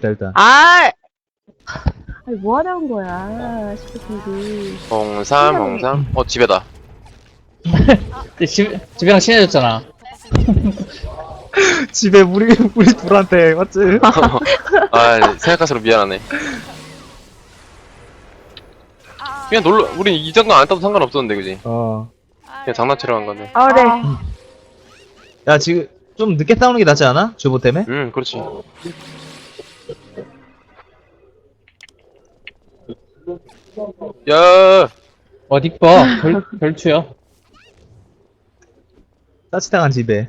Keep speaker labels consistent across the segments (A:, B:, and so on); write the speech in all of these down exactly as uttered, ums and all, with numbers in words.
A: 있다 일단.
B: 아! 아니, 뭐 하려는 거야, 시프팅이.
C: 공삼 공삼 어 집에다.
D: 집, 집이랑 친해졌잖아.
A: 집에 우리 우리 둘한테 맞지?
C: 아 생각할수록 미안하네. 그냥 놀러 우린 이 장난 안 따도 상관없었는데 그지?
A: 어.
C: 그냥 장난치러 간 건데.
B: 아, 네.
A: 야 지금 좀 늦게 싸우는 게 낫지 않아? 주보 때문에?
C: 음 그렇지. 야
D: 어디 봐. 결, 결투야.
A: 따뜻한 집에.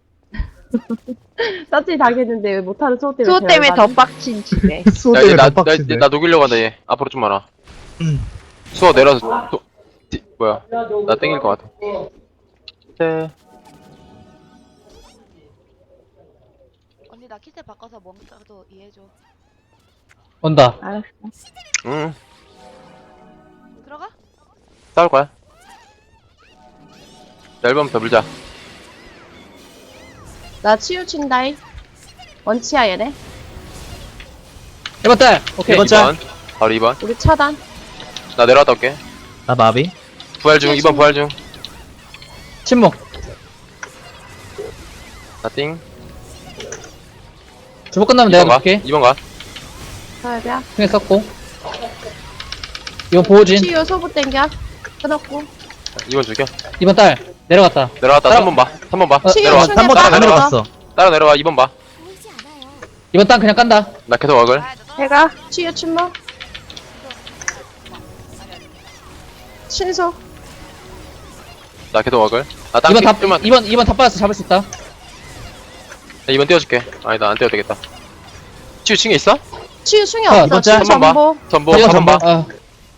B: 따뜻히 당했는데 왜 못하는 수호 때문에.
E: 수호 때문에 더
B: 대박이-
E: 빡친 집에.
A: 수호
C: 야,
A: 때문에
C: 얘 나,
A: 더
C: 나,
A: 빡친데.
C: 나 녹이려고 한다 얘. 앞으로 좀 많아.
A: 음.
C: 수어 내려서 또, 디, 뭐야 나 땡길 것 같아. 네.
F: 언니 나 키스 바꿔서 뭔가도 이해해줘.
D: 온다.
B: 알았어.
C: 응
F: 들어가?
C: 싸울 거야. 앨범 더 물자.
B: 나 치유친다이. 원치야, 얘네.
D: 일 번 딸. 오케이.
A: 일 번 짤.
C: 이 번 바로 이 번.
B: 우리 차단.
C: 나 내려갔다 올게.
A: 나 마비.
C: 부활 중 이 번 부활 중.
D: 침묵.
C: 나 띵.
D: 주보 끝나면
C: 이 번
D: 내가
C: 가.
D: 볼게.
C: 이 번 가.
B: 서야비야.
D: 중에 썼고. 이번 보호진.
B: 치유 소부 땡겨. 끊었고.
C: 이 번 죽여.
D: 이 번 딸. 내려갔다.
C: 내려갔다
D: 따라-
C: 삼 번 봐. 삼 번 봐.
D: 어,
B: 치유
C: 내려와.
B: 충에
A: 한 번
B: 따라
A: 다
C: 내려와.
A: 내려갔어.
C: 따라 내려와. 이 번 봐.
D: 이 번 딸 그냥 깐다.
C: 나 계속 와글.
B: 해가. 치유 침묵. 신소.
C: 나 계속 와글. 나 땅.
D: 이 번 다,
C: 좀만.
D: 이 번, 이 번 다 빠졌어. 잡을 수 있다.
C: 이 번 띄워줄게. 아니다 안 띄워도 되겠다. 치유 층에 있어?
B: 치유 충이
D: 아,
B: 없어.
A: 이번
B: 치유
A: 짤.
C: 한 번 봐.
B: 전보.
C: 전보
D: 이번
C: 삼 번 봐.
D: 어.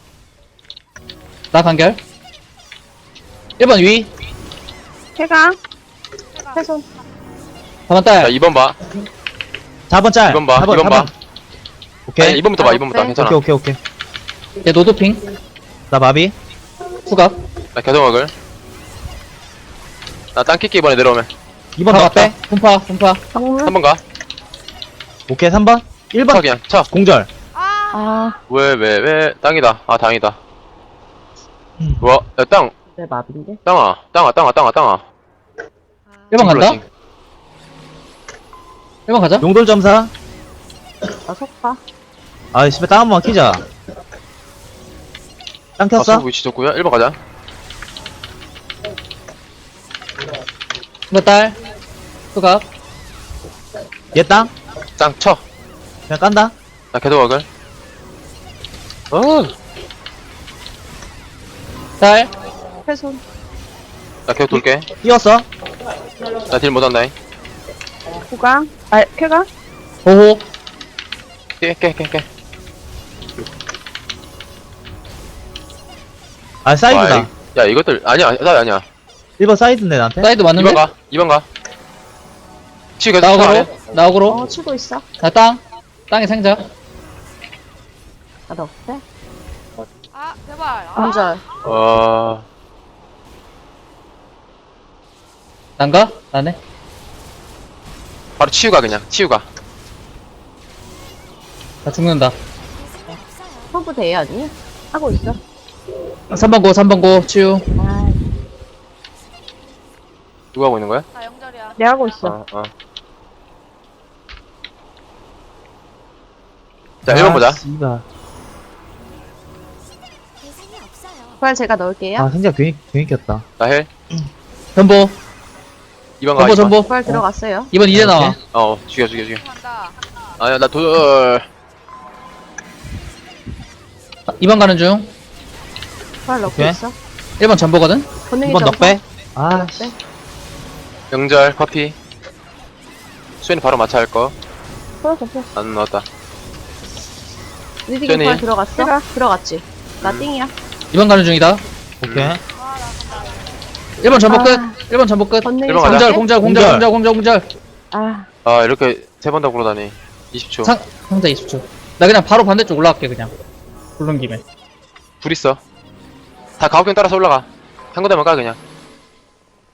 D: 나 간결. 일 번 위.
B: 해가. 해손.
D: 사 번
C: 자
D: 딸.
C: 이 번 봐.
A: 사 번 짤.
C: 이 번 봐.
A: 사 번,
C: 이 번
A: 사
C: 봐.
A: 번. 오케이.
C: 아니 이 번부터 봐. 이 번부터
B: 네.
C: 괜찮아.
A: 오케이 오케이 오케이.
D: 얘 노도핑.
A: 나 마비.
D: 수갑.
C: 나 계속 와글. 나 땅 킬게 이번에 내려오면.
A: 이 번
D: 파
A: 나왔다.
D: 빼. 분파, 분파.
B: 정문.
C: 삼 번 가.
A: 오케이 삼 번. 일
C: 쳐
A: 번.
C: 그냥 쳐.
A: 공절.
F: 아,
B: 아,
C: 왜 왜 왜 땅이다. 아 당이다.
A: 음.
C: 와, 야, 땅,
B: 내 마비인데.
C: 땅아, 땅아, 땅아, 땅아, 땅아.
D: 일 번 간다.
C: 징그러지.
D: 일 번 가자.
A: 용돌 점사.
B: 나 속파.
A: 아 씨발 땅 한 번만 키자. 땅
C: 아,
A: 켰어?
C: 서브 위치 좋고요. 일 번 가자.
D: 일 번 딸. 수갑.
A: 얘 땅?
C: 땅 쳐.
A: 그냥 깐다.
C: 나 계속 와글. 어,
D: 딸.
B: 해손.
C: 나 계속 돌게.
A: 뛰었어.
C: 나 딜 못한다잉.
B: 구강. 아, 쾌가.
D: 보호.
C: 깨, 깨, 깨, 깨.
A: 아 사이드다.
C: 와, 이- 야, 이것들 아니야, 나 아니야.
A: 일 번 사이드인데 나한테.
D: 사이드
C: 이 번
D: 맞는데?
C: 가, 이 번 가. 치 계속 쳐.
D: 나오고로. 나오고로.
B: 어, 치고 있어.
D: 나 땅. 땅에 생자.
B: 아, 너 없대?
F: 아, 제발. 아,
B: 공절.
C: 어,
D: 난가? 나네.
C: 바로 치유가 그냥 치유가.
D: 나 죽는다.
B: 소부 대회 아니야? 하고 있어.
D: 삼 번 고, 삼 번 고, 치유.
B: 아,
C: 누가 하고 있는 거야?
F: 나 영절이야.
B: 내가 하고 있어.
C: 어, 어. 자, 일 번 보자.
A: 아, 씨발.
B: 그걸 제가 넣을게요.
A: 아 생각 괜히 괜히 켰다.
C: 나 헬.
D: 전보.
C: 이 번 가.
D: 전보,
C: 이 번.
D: 전보.
B: 그걸 들어갔어요.
D: 이 번 이제
A: 오케이.
D: 나와.
C: 어, 죽여, 죽여, 죽여.
F: 간다.
C: 아니야, 나 돌.
D: 이 번 가는 중.
B: 그걸 넣고
A: 오케이.
B: 있어.
D: 일 번 전보거든?
B: 본능이
A: 이 번
B: 점사.
A: 넉배. 아 씨.
B: 네.
C: 영절 커피. 수현이 바로 마차 할 거.
B: 풀었어, 풀었어.
C: 안 넣었다.
B: 리딩이
C: 쟤네.
B: 그걸 들어갔어? 들어갔지. 나
C: 음.
B: 띵이야.
D: 이 번 가는 중이다.
A: 오케이.
D: 일 번 전보
B: 아.
D: 끝. 일 번 전보 끝.
B: 본능이
C: 일 번 가자.
D: 공절,
B: 점사.
D: 공절, 공절,
A: 공절.
D: 공절, 공절, 공절.
B: 아,
C: 아, 이렇게 세 번 다 굴러다니. 이십 초.
D: 상, 상자 이십 초. 나 그냥 바로 반대쪽 올라갈게, 그냥. 굴른 김에.
C: 불 있어. 다 가옥경 따라서 올라가. 한 군데만 가, 그냥.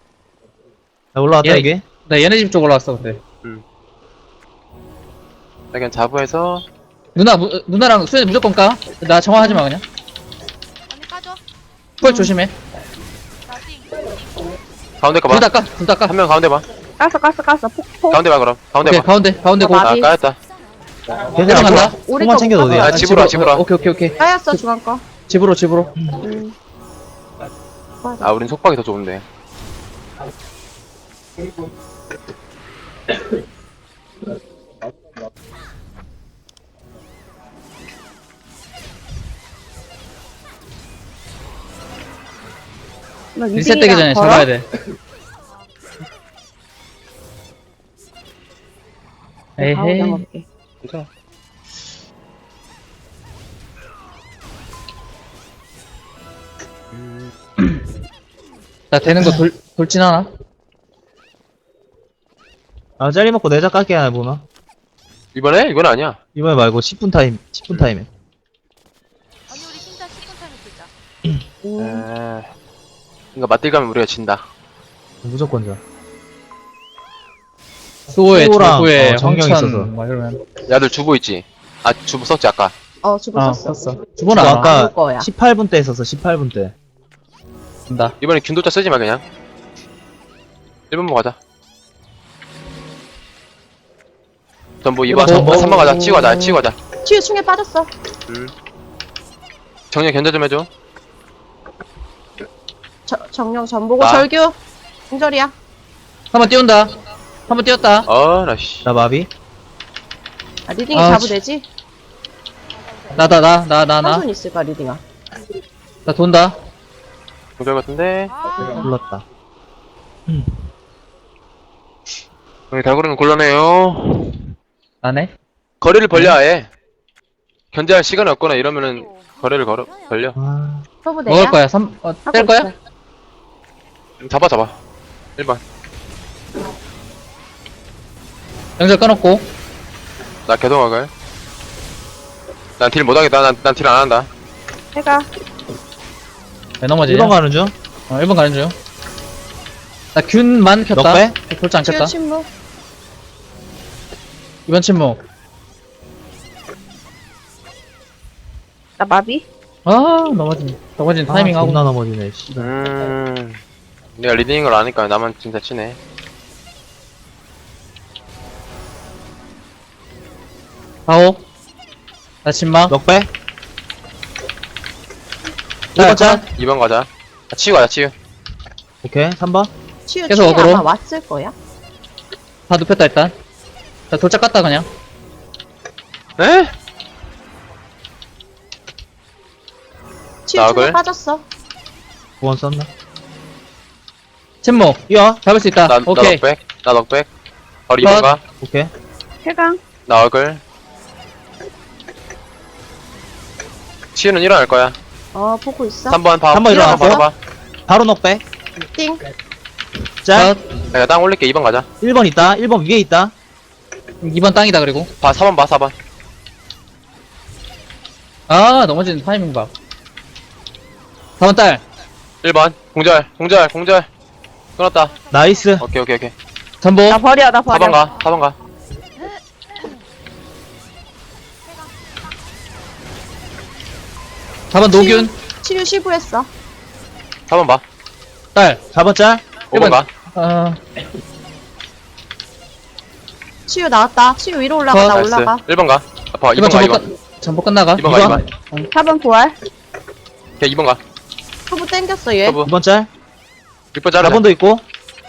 A: 나 올라왔다
D: 얘-
A: 이게.
D: 나 얘네 집 쪽 올라왔어, 근데.
C: 그냥 자부해서
D: 누나 무, 누나랑 수현이 무조건 까나 정화하지 마 그냥
F: 언니 까줘.
D: 펄 조심해
F: 나 띵.
C: 가운데
D: 둘
C: 가봐.
D: 다 까 둘 다 까
C: 한 명 가운데 봐.
B: 깠어 깠어 깠어 폭폭
C: 가운데 봐 그럼. 가운데
D: 오케이
C: 봐.
D: 가운데 가운데
B: 어,
D: 고
B: 맞아.
C: 아
B: 나비.
C: 까였다.
A: 걔들아
D: 간다.
A: 통-
B: 우리
A: 통만
B: 거
A: 챙겨도
B: 못
A: 돼.
C: 아,
B: 가져와.
C: 집으로 와, 집으로 와.
D: 오케이 오케이 오케이
B: 까였어 중앙 거
D: 집으로 집으로
B: 음.
C: 아 우린 속박이 더 좋은데.
B: 나
D: 리셋 되기 전에
B: 걸어?
D: 잡아야 돼
B: 네, 가운데
D: 에헤이
B: 먹을게.
C: 괜찮아.
D: 나 되는 거 돌, 돌진 하나?
A: 아 짤리 먹고 내자 깎게 하나 보나?
C: 이번에? 이건 아니야.
A: 이번에 말고 십 분 타임 십 분 타임에.
F: 언니 우리 진짜 십 분 타임에 쓰자.
B: 음.
C: 에... 그러니까 맞들 가면 우리가 진다.
A: 무조건 자.
D: 수호의
A: 수호랑,
D: 조구의
A: 어, 정령
D: 황천
A: 있어서.
D: 뭐 이러면
C: 야들 주보 있지? 아 주보 썼지 아까.
B: 어 주부
D: 어
B: 썼어
D: 썼어 주보는
A: 너
D: 알아
A: 아까
B: 올 거야.
A: 십팔 분 때 했었어. 십팔 분 때.
D: 된다
C: 이번엔 균도자 쓰지 마 그냥. 일 번만 가자. 전부 이 번,
A: 일 번,
C: 삼 번 가자. 치고 가자. 치고 가자.
B: 치유 충에 빠졌어
C: 음. 정령 견제 좀 해줘.
B: 저, 정령 전보고
C: 나.
B: 절규 공절이야
D: 한 번 띄운다 한 번 띄웠다
C: 어, 나 씨.
A: 나 마비.
B: 아 리딩이
D: 아,
B: 잡으
D: 씨.
B: 되지?
D: 나다 나 나 나 나
B: 한손 있을까 리딩아
D: 나 돈다
C: 공절 같은데.
F: 아,
A: 불렀다.
C: 여기 달고리는 곤란해요.
D: 나네
C: 거리를 벌려 아예. 견제할 시간이 없거나 이러면은 거리를 걸어 벌려.
A: 아,
B: 서브 대야
D: 먹을 거야 삼 어,
B: 하고
D: 뗄 거야?
B: 있어.
C: 잡아 잡아. 일 번.
D: 영절 끊었고
C: 나 개동학을. 난 딜 못하겠다. 난 난 딜 안 한다.
B: 해가
D: 왜 넘어지냐?
A: 일 번 가는 중.
D: 어 일 번 가는 중나 균만 켰다
A: 넉배?
D: 돌지 안
B: 치유
D: 켰다
B: 침묵
D: 이번 침묵
B: 나 마비
D: 아 넘어진 넘어진 타이밍
A: 아,
D: 하고
A: 존나 넘어지네. 씨.
C: 음. 내가 리딩인 걸 아니까 나만 진짜 치네.
D: 아오 나 침막
A: 넉배?
D: 자,
A: 일 번 짤?
C: 이 번 가자. 아, 치유 가자 치유.
A: 오케이. 삼 번.
B: 치유
D: 계속
B: 충에
D: 어그로.
B: 아마 왔을 거야
D: 다 눕혔다 일단 나 돌짝 깠다 그냥
C: 에?
B: 치유
C: 나글.
B: 충에 빠졌어
A: 구 번 썼나?
D: 침묵
A: 뛰어.
D: 잡을 수 있다
C: 나, 나
D: 오케이
C: 넉백. 나 넉백. 바로 이 번
D: 컷.
C: 가.
A: 오케이.
B: 해강
C: 나 얼굴. 치유는 일어날 거야.
B: 어 보고 있어
C: 삼 번 봐.
A: 삼번 일어났어?
C: 바로 봐.
A: 바로 넉배.
B: 띵
A: 짤.
D: 컷.
C: 내가 땅 올릴게. 이 번 가자.
A: 일 번 있다. 일 번 위에 있다.
D: 이 번 땅이다 그리고
C: 봐. 사 번 봐. 사 번.
D: 아 넘어지는 타이밍 봐 사 번 딸
C: 일 번. 공절. 공절. 공절. 끊었다.
A: 나이스.
C: 오케이 오케이 오케이.
D: 전보
B: 나 버려 나
C: 사
B: 버려
C: 번 가. 사 번 가.
D: 사 번 노균
B: 치유 시부했어
C: 사 번 봐.
D: 딸
A: 사 번 짤.
C: 오 번 가.
D: 어,
B: 치유 나왔다 치유 위로 올라가
D: 컷.
B: 나
C: 나이스.
B: 올라가
C: 일 번 가. 봐. 이
D: 이번
C: 번 가. 이
D: 전보
C: 번.
D: 끝 전보 끝나가
C: 이 번 가. 이
A: 이번.
C: 번.
B: 사 번 부활
C: 오케이. 이 번 가.
B: 서브 땡겼어 얘
C: 서브.
A: 이 번 짤.
C: 육 번
A: 사
C: 자르자.
A: 번도 있고.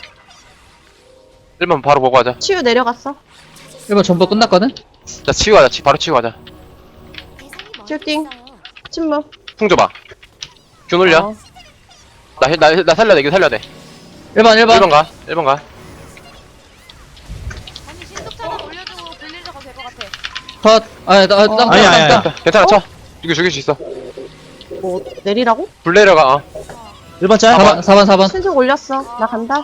C: 일 번 바로 보고 가자.
B: 치유 내려갔어
D: 일 번 전보 끝났거든?
C: 자 치유 가자. 치, 바로 치유 가자.
B: 슈팅 침묵
C: 풍 줘봐. 균 올려.
B: 어.
C: 나, 나, 나 살려야 돼. 이거 살려야 돼.
D: 일 번 일 번
C: 일 번 가. 일 번 가.
F: 언니 신속차만 올려주고 빌리려고 될 것 같아.
D: 컷 아, 나, 나,
B: 어.
D: 땅,
A: 아니,
D: 땅,
A: 아니,
D: 땅,
A: 아니.
D: 땅.
C: 괜찮아. 쳐. 이거 죽일 수 있어.
B: 뭐 내리라고?
C: 불 내려가. 어.
A: 일 번 짤.
D: 사 번 사 번 사 번
B: 신속 올렸어 나 간다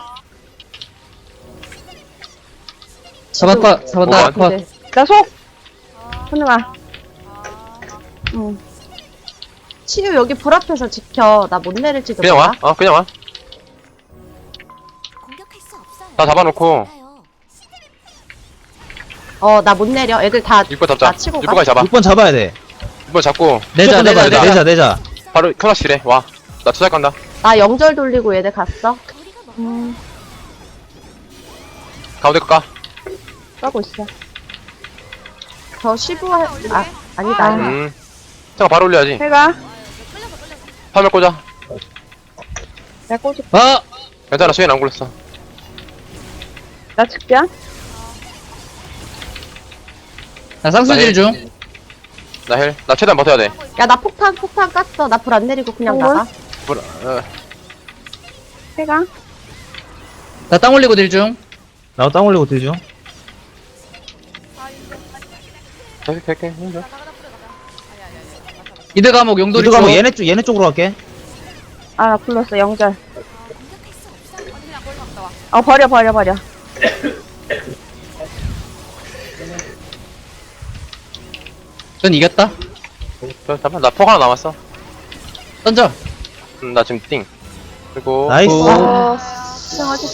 D: 사 번 컷 사 번 딸
C: 오 번.
D: 컷
B: 네. 나속
F: 아,
B: 현우아
F: 아,
B: 응 치유 여기 불 앞에서 지켜 나 못 내릴지도
C: 그냥
B: 몰라
C: 와. 어, 그냥 와.
E: 공격할 수 없어요.
C: 다 잡아놓고.
E: 알아요.
B: 어, 나 못 내려. 애들 다
C: 육 번 잡자.
B: 나 치고 가.
C: 육 번까지 잡아.
A: 육 번 잡아야 돼.
C: 육 번 잡고
D: 내자,
A: 무조건 잡아야
D: 내자,
A: 돼.
D: 내자.
A: 내자, 내자.
C: 바로 클라시래. 와. 나 투자 간다.
B: 나 영절 돌리고 얘들 갔어. 음,
C: 가운데 거 까.
B: 까고 있어. 저 십오 할, 아, 아니다, 아니다.
C: 음. 잠깐 바로 올려야지.
B: 해가.
C: 화면 꽂아.
B: 나 꽂을
D: 아!
C: 괜찮아. 수인 안 굴렸어.
B: 나 측자.
D: 나 쌍수질 중.
C: 나 헬. 나 최대한 버텨야 돼.
B: 야, 나 폭탄, 폭탄 깠어. 나 불 안 내리고 그냥 나가.
C: 불, 어.
B: 해가.
D: 나 땅 올리고 딜 중.
A: 나도 땅 올리고 들죠.
C: 계속 할게. 힘줘.
D: 이드 감옥 용돌이
A: 이거 가면
D: 쪽.
A: 얘네 쪽, 얘네 쪽으로 갈게.
B: 아, 나 불렀어. 영절. 어, 버려, 버려, 버려.
D: 전 이겼다.
C: 저, 잠깐. 나폭 하나 남았어.
D: 던져.
C: 음, 나 지금 띵. 그리고.
A: 나이스.
B: 어, 수정하지